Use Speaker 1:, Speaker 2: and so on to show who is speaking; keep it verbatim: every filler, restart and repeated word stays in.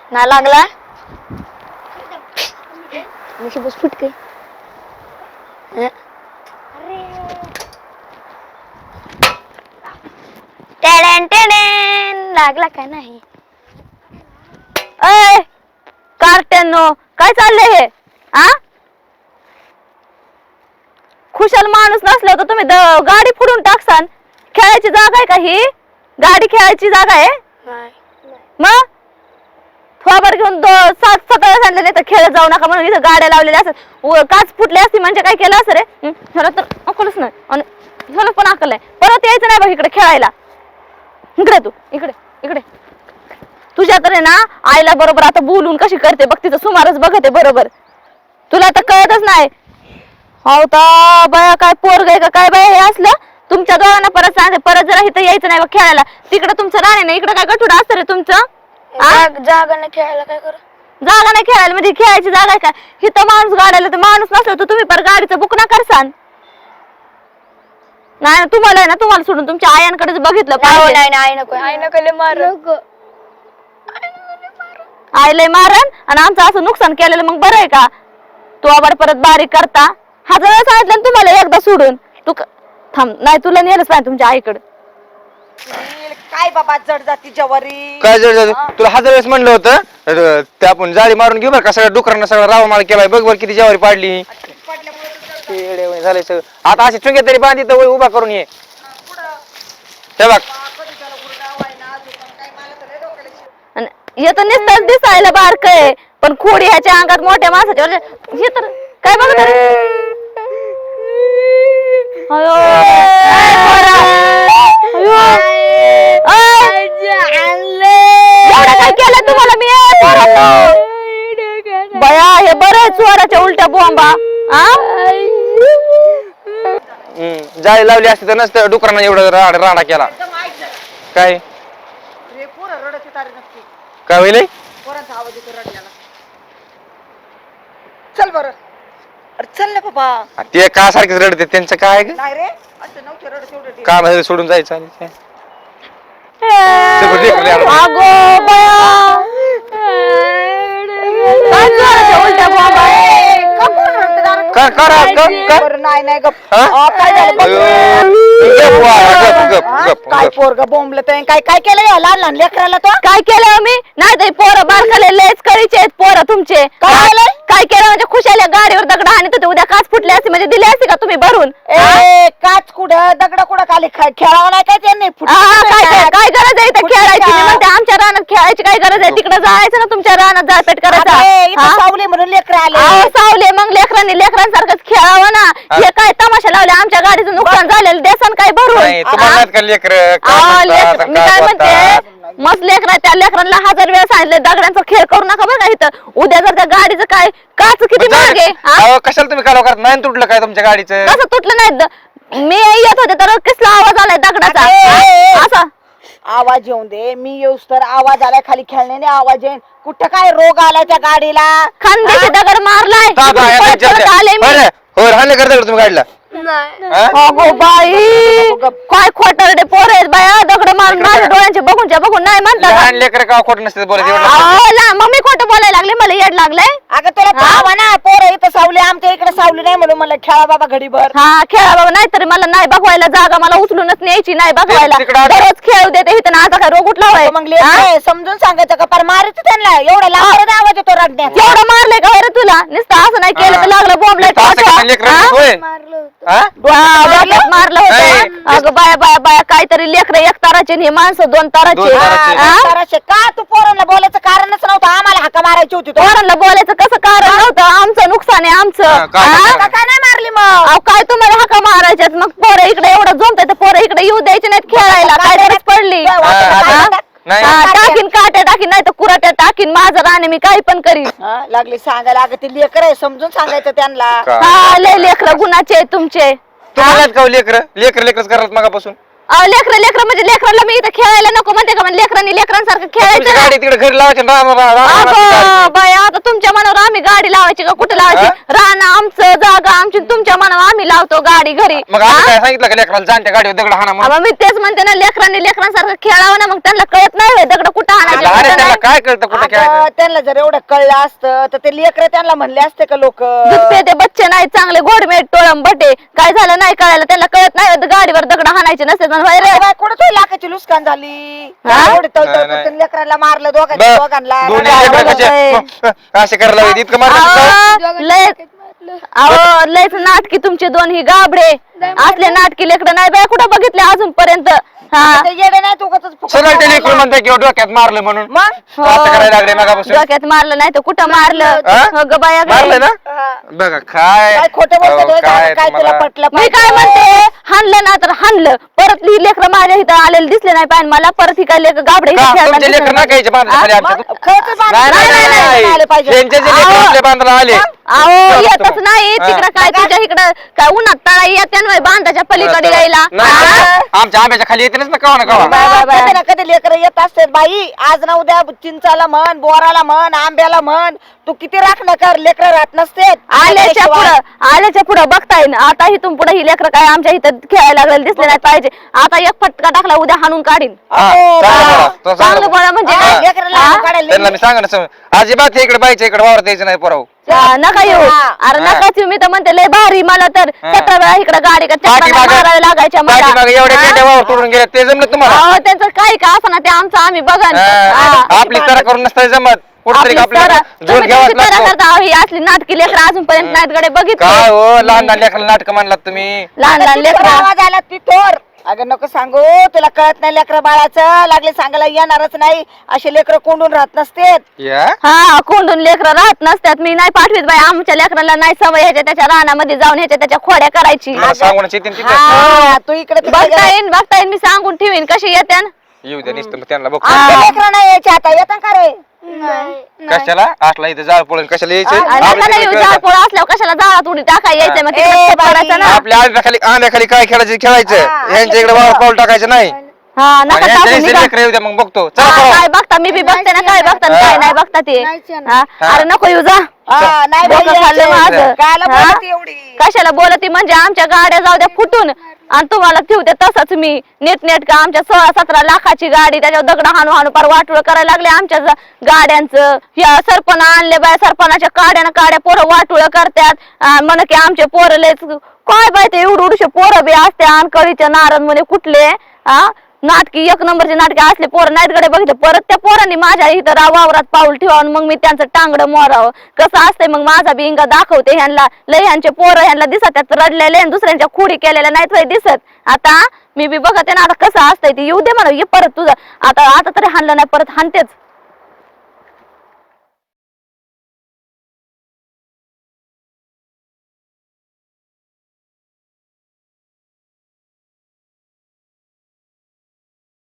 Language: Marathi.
Speaker 1: ना लागला मुशी बस फुटके टेडेन टेडेन लागला का नाही? अय कार्ट्यांनो काय चाललंय हे? आ खुशाल माणूस नसला तर तुम्ही गाडी फोडून टाकसान. खेळायची जागा आहे का ही? गाडी खेळायची जागा आहे? मग थोबाड घेऊन सात सतरा सांगितलं नाही तर खेळत जाऊ नका म्हणून इथं गाड्या लावलेल्या असतात. काच फुटली असती म्हणजे काय केलं असं रे? ह्याला तर अकलच नाही आणि ह्याला पण अकल आहे. परत यायचं नाही बघ इकडे खेळायला. इकडे तू इकडे इकडे तुझ्या तर आहे ना आईला बरोबर आता बोलून कशी करते बघ. तिचं सुमारच बघते बरोबर. तुला तर कळतच नाही. हो तर बया काय पोरग आहे का काय बाय हे असलं? तुमच्या दोघांना परत सांगते परत जरा इथं यायचं नाही बघ खेळायला. तिकडे तुमचं राणे नाही इकडे काय गठुडा असतं रे तुमचं?
Speaker 2: जागा नाही खेळायला काय करू?
Speaker 1: जागा नाही खेळायला म्हणजे खेळायची जागा आहे का? इथं माणूस गाडायला तर माणूस नसला तर तुम्ही पर गाडीचं बुक ना करसान. नाही तुम्हाला आहे ना तुम्हाला सोडून तुमच्या आयांकडेच बघितलं पाहिजे.
Speaker 2: नाही नाही नको आई नको लय मार
Speaker 1: आईला मारण आणि आमचं असं नुकसान केलेलं मग बरं आहे का? तू आबाड परत बारीक करता. हजार वेळा सांगितलं ना तुम्हाला एकदा सोडून. तू थांब नाही तुला नेलंच पाहिजे तुमच्या आईकडे.
Speaker 3: काय बाबा जड जाती जवारी
Speaker 4: काय जड जाती? तुला हजार वेळेस म्हणलं होतं ते आपण जाळी मारून घेऊ बरं का. सगळ्या डुकरांना सगळा रावा माळ केलाय. बघ बरं किती ज्वारी पाडली झाले सगळं. आता अशी चुंगे तरी बांधी तर उभा करून ये. हे बघ
Speaker 1: येत नुसतंच दिसायला बारक आहे पण खोडी ह्याच्या अंगात मोठ्या माणसाच्या हे तर काय बघत काय केलं तुम्हाला मी? बया हे बरं चोराच्या उलट्या बोंबा.
Speaker 4: जाळी लावली असती तर नसतं डुकरांना एवढं राडा केला. काय काय होईल?
Speaker 3: चल बर चल ना बाबा.
Speaker 4: ते का सारखेच रडते त्यांचं काय
Speaker 3: नाही रे असं नव्हतं रडत एवढं.
Speaker 4: काम सोडून जायचं.
Speaker 1: अगो बया काय चोराच्या उलट्या बोंबा?
Speaker 3: नाही नाही गप काय झालं? काय पोरग बोंबलं तर काय काय केलं या लहान लहान लेकराला? तो
Speaker 1: काय केलं मी? नाही तरी पोरं बारकाले लेच कळीचे आहेत पोरं तुमचे. काय केलं म्हणजे खुशाल्या गाडीवर दगड आणि तर उद्या काच फुटली असते म्हणजे दिली असते का तुम्ही भरून?
Speaker 3: ए काच कुठं दगड कुठं खाली खेळावं नाही काय त्यांनी?
Speaker 1: काय गरज आहे इथं खेळायची? मी म्हणते आमच्या रानात खेळायची काय गरज आहे? तिकडे जायचं ना तुमच्या रानात जाळपेट करायचा.
Speaker 3: सावली म्हणून लेकर आले.
Speaker 1: सावले मग लेकरांनी लेकरांसारखंच खेळावं ना. हे काय तमाशा लावले? आमच्या गाडीचं नुकसान झालेलं देसान काय भरून? मी काय म्हणते मस्त लेकरा त्या लेकरांना हजार वेळा सांगितले दगडांचा खेळ करू नका बघा इथं. उद्या जर त्या गाडीचं काय काच किती मागे
Speaker 4: कशाला तुम्ही कालवा करत नाही? तुटलं काय तुमच्या गाडीचं?
Speaker 1: कसं तुटलं नाही? मी येत होते तर कसला आवाज आलाय दगडाचा असा.
Speaker 3: आवाज येऊन दे मी येऊस तर आवाज आलाय खाली खेळण्याने आवाज येईन. कुठं काय रोग आलाय त्या गाडीला?
Speaker 1: खांद्याचे दगड मारलाय आले मी.
Speaker 4: हो राहिले करता तुम्ही गाडीला?
Speaker 1: अगो बाई काय खोटारडे पोर आहेत बाया. दगड मारून माझ्या डोळ्यांचे बघूनच्या बघून नाही म्हणतात.
Speaker 4: लेकर का खोट नसते बोलायचं?
Speaker 1: मग मी खोटं बोलायला लागले मला येड लागलंय.
Speaker 3: अगं तुला पाहावा ना पोर इथं सावली आमच्या इकडे सावली नाही म्हणून मला खेळा बाबा घडीभर.
Speaker 1: हा खेळा बाबा नाही तरी मला नाही बघवायला जागा मला उचलूनच न्यायची नाही बघवायला. दररोज खेळू देते इथं ना. आता काय रोग उठला होय?
Speaker 3: मग समजून सांगायचं का पर मारायचं त्यांना? एवढा लांब आवाज येतो रडण्याचा.
Speaker 1: एवढं मारलंय का बरं तुला? नुसतं असं नाही केलं तर लागलं बोंबलाय मारलं होतं. अगं बाया बाया बाया काहीतरी लेकर एक ताराचे हे माणसं दोन ताराचे.
Speaker 3: का तू पोरांना बोलायचं कारणच नव्हतं? आम्हाला हाका मारायची होती.
Speaker 1: पोरांना बोलायचं कसं कारण नव्हतं? आमचं नुकसान आहे आमचं.
Speaker 3: काय नाही मारली मग?
Speaker 1: काय तुम्हाला हाका मारायच्यात? मग पोरं इकडे एवढं जमतंय तर पोरं इकडे येऊ द्यायचे नाहीत खेळायला. काय गरज पडली? टाकीन काट्या टाकीन नाही तर कुराट्या टाकीन. माझं राणे मी काही पण करीन.
Speaker 3: लागली सांगायला. अगं ते लेकर आहे समजून सांगायचं त्यांना.
Speaker 1: हा लय लेकर गुणाचे तुमचे.
Speaker 4: तुम्हाला का लेकर लेकर लेकरच करत मगापासून?
Speaker 1: अहो, लेकरं लेकरं म्हणजे लेकराला मी इथं खेळायला नको म्हणते का? म्हणजे लेकरांनी लेकरांसारखं
Speaker 4: तुमची
Speaker 1: खेळायचं ना?
Speaker 4: गाडी तिकडे घरी लावायची आणि राम- राम- राम- राम-
Speaker 1: अगं बाई, आता तुमच्या मनावर आम्ही गाडी लावायची का? कुठं लावायची? रान आमचं, जागा आमची, तुमच्या मनावर आम्ही लावतो गाडी घरी.
Speaker 4: मग आम्ही काय सांगितलं का लेकराला जाणत्या गाडीवर दगड हाणा म्हणून?
Speaker 1: अहो, मी तेच म्हणते ना, लेकरांनी लेकरांसारखं खेळावं ना, मग त्यांना कळत नाही होय दगड कुठं आणायचे,
Speaker 4: लहान आहे,
Speaker 1: कुठं
Speaker 4: त्याला
Speaker 1: नाही.
Speaker 4: काय कळतं कुठे
Speaker 3: अगं,
Speaker 4: खेळायचं?
Speaker 3: त्यांना जर एवढं कळलं असतं तर ते लेकर त्यांना म्हणले असते का लोक
Speaker 1: दूध पेते बच्चे नाही चांगले गोडमेट टोळम बटे, काय झालं नाही कळायला, त्यांना कळत नाही होय गाडीवर दगड हाणायचे नसते पण होय रे.
Speaker 3: कुठं तो लाखाची लुस्कान झाली
Speaker 1: हा?
Speaker 3: एवढी तळतळ
Speaker 4: नाही, नाही.
Speaker 3: करते, लेकरांना मारलं दोघांच्या
Speaker 4: बरं,
Speaker 3: दोघांना
Speaker 4: दोन्ही
Speaker 3: रडायला
Speaker 4: लेकरं
Speaker 3: लागलं.
Speaker 4: कसे असे करायला लागले, इतकं मारलं
Speaker 1: अहो, लय अहो लयच नाटकी तुमचे दोन ही गाबडे असले नाटकी लेकडं नाही बाय कुठं बघितले अजूनपर्यंत. हा
Speaker 3: ते येडे नाही तू उगाचच फुकट
Speaker 4: सगळं ते
Speaker 3: बोलायला.
Speaker 4: लेकरं म्हणते किंवा डोक्यात मारलं म्हणून
Speaker 3: मग
Speaker 1: हो.
Speaker 4: असं करायला लागले मगापासून.
Speaker 1: डोक्यात मारलं नाही तर कुठं मारलं?
Speaker 4: हा?
Speaker 1: हो ग बाया ग.
Speaker 4: मारलं ना बघा काय
Speaker 3: काय खोटं बोलतो
Speaker 4: अहो,
Speaker 3: तो,
Speaker 4: काय
Speaker 3: काय तुला
Speaker 4: तुम्हाला-
Speaker 3: पटलं
Speaker 1: मी काय म्हणते, हाणलं ना तर हाणलं, परत ही लेकरं माझ्या इथं आलेले दिसले नाही पाहिजे मला, परत ही काय लेकर गाबडे इथं
Speaker 4: का?
Speaker 1: खेळताना
Speaker 4: तुमचे
Speaker 1: दिसले
Speaker 4: लेकर
Speaker 1: नाही.
Speaker 4: ना कायचे बांधले खाली आमच्या?
Speaker 3: मग खरंच बांधलं
Speaker 4: नाही, नाही,
Speaker 3: नाही,
Speaker 4: नाही,
Speaker 3: नाही, आले
Speaker 4: नाही.
Speaker 3: पाहिजे.
Speaker 4: त्यांचे जे लेकरं आपल्या बांधायला आले
Speaker 1: अहो येतच नाही
Speaker 4: हा.
Speaker 1: तिकडं काय तुझ्या इकडं काय उन्हात तळा येते ना बांधाच्या पलीकडे यायला.
Speaker 4: नाही,
Speaker 1: हा?
Speaker 4: आमच्या- आमच्या आंब्याच्या खाली येते ना कवा ना कवा.
Speaker 1: Bye, bye, bye.
Speaker 3: कधी ना कधी लेकर येत असते बाई, आज ना उद्या चिंचाला म्हण, बोराला म्हण, आंब्याला म्हण, तू किती राखणं कर, लेकर राहत नसते
Speaker 1: आल्याच्या पुढं आल्याच्या पुढं बघताय ना, आता इथून पुढे ही लेकरं काय आमच्या इथं खेळायला लागलेले दिसले नाही पाहिजे. आता एक फटका टाकला उद्या हाणून काढीन.
Speaker 4: हा, चांगलं बोला, तो चांगलं
Speaker 1: चांगलं
Speaker 4: बोला.
Speaker 1: बोला म्हणजे
Speaker 3: हा,
Speaker 1: काय?
Speaker 3: लेकराला
Speaker 1: हा?
Speaker 3: हाणून काढायला
Speaker 4: त्यांना मी सांगा ना समज. अजिबात हे इकडे बाईच्या इकडे वावर द्यायचं नाही पोराव.
Speaker 1: हा, नका येऊ.
Speaker 3: हा.
Speaker 1: अरे नका येऊ, मी तर म्हणते लय भारी मला तर
Speaker 4: हा.
Speaker 1: सतरा वेळा इकडे गाडी का चक्रा
Speaker 4: पाठीमागं-
Speaker 1: मारायला लागायच्या मला.
Speaker 4: पाठीमागं एवढ्या
Speaker 1: हा?
Speaker 4: पेट्या वावर तोडून गेल्या ते जमलं तुम्हाला?
Speaker 1: अहो, त्यांचं काही का असं ना ते आमचं आम्ही बघा
Speaker 4: हा, आपली तरा करून नसतं जमत कुठतरी आपल्याला जोड घ्यावाच लागतो.
Speaker 1: ही असली नाटकी लेकर अजूनपर्यंत नाहीत गडे बघितले.
Speaker 4: काय हो लहान लहान लेकराला नाटक मानलात तुम्ही.
Speaker 1: लहान लहान लेकर
Speaker 3: आवाज आला ती तोर. अगं नको सांगू, तुला कळत नाही लेकर बाळाचं, लागले सांगायला येणारच नाही, असे लेकर कोंडून राहत नसते.
Speaker 4: या
Speaker 1: हा कोंडून लेकरं राहत नसतात. मी नाही पाठवीत बाई, आमच्या लेकराला नाही सवय ह्याच्या त्याच्या रानामध्ये जाऊन ह्याच्या त्याच्या खोड्या करायची.
Speaker 4: मला सांगूनच येते तिथे
Speaker 3: हा, तू इकडे तिकडे
Speaker 1: बघता
Speaker 3: गेला.
Speaker 1: येईन बघता येईन मी सांगून ठेवीन कशी येत्या.
Speaker 4: येऊ द्या नुसतं मग त्यांना बघ
Speaker 3: आमच्या लेकरं नाही यायचे आता, येतं का रे?
Speaker 4: कशाला असला इथं जाळ पळून कशाला यायचे
Speaker 1: नका येऊ, जाळ पोळा असल्यावर कशाला जाळात उडी टाकाय यायचंय मग
Speaker 3: ए,
Speaker 1: तिकडे
Speaker 3: बाई.
Speaker 1: पडायचं ना.
Speaker 4: आपल्या आंब्याखाली आंब्याखाली काय खेळायचं खेळायचं
Speaker 3: हा,
Speaker 4: यांच्या इकडे वावर पाऊल टाकायचं नाही.
Speaker 1: हा नका टाकू निघा.
Speaker 4: लेकर येऊ द्या मग बघतो चला
Speaker 1: हा,
Speaker 4: पळा.
Speaker 1: काय बघता मी बी बघते ना काय बघता आणि काय नाही बघता ते. हा, अरे नको येऊ जा.
Speaker 3: हा, नाही बाई,
Speaker 1: डोकं खाल्लं
Speaker 3: यायचे.
Speaker 1: माझं.
Speaker 3: कायला
Speaker 1: हा?
Speaker 3: बोलती एवढी?
Speaker 1: कशाला बोलती म्हणजे आमच्या गाड्या जाऊ द्या फुटून आणि तुम्हाला ठेवते तसंच मी नीट नेट का आमच्या सोळा सतरा लाखाची गाडी त्याच्यावर दगड हाणू हाणू पार वाटोळ करायला लागले आमच्या ज- गाड्यांचं. या सरपण आणले बाय सरपणाच्या काड्यानं काड्या पोरं वाटोळ करतात म्हण की आमचे पोरं लयच काय बाय ते एवढे एवढे पोरं बी असते आणि कळीच्या नारद म्हणे कुठले हा नाटकी एक नंबरचे नाटके असले पोरं नाहीत गडे बघितले. परत त्या पोरांनी माझ्या इथं रा- वावरात पाऊल ठेवावं मग मी त्यांचं टांगडं मोरावं कसं असतंय. मग माझा बी इंगा दाखवते ह्यांना लय ह्यांचे पोरं ह्यांना दिसत त्यात रडलेले आणि दुसऱ्यांच्या खुडी केलेल्या नाहीत होय दिसत. आता मी बी बघते ना आता कसं असतंय ते येऊ दे मला ये परत तुझं आता आता तरी हाणलं नाही परत हाणतेच.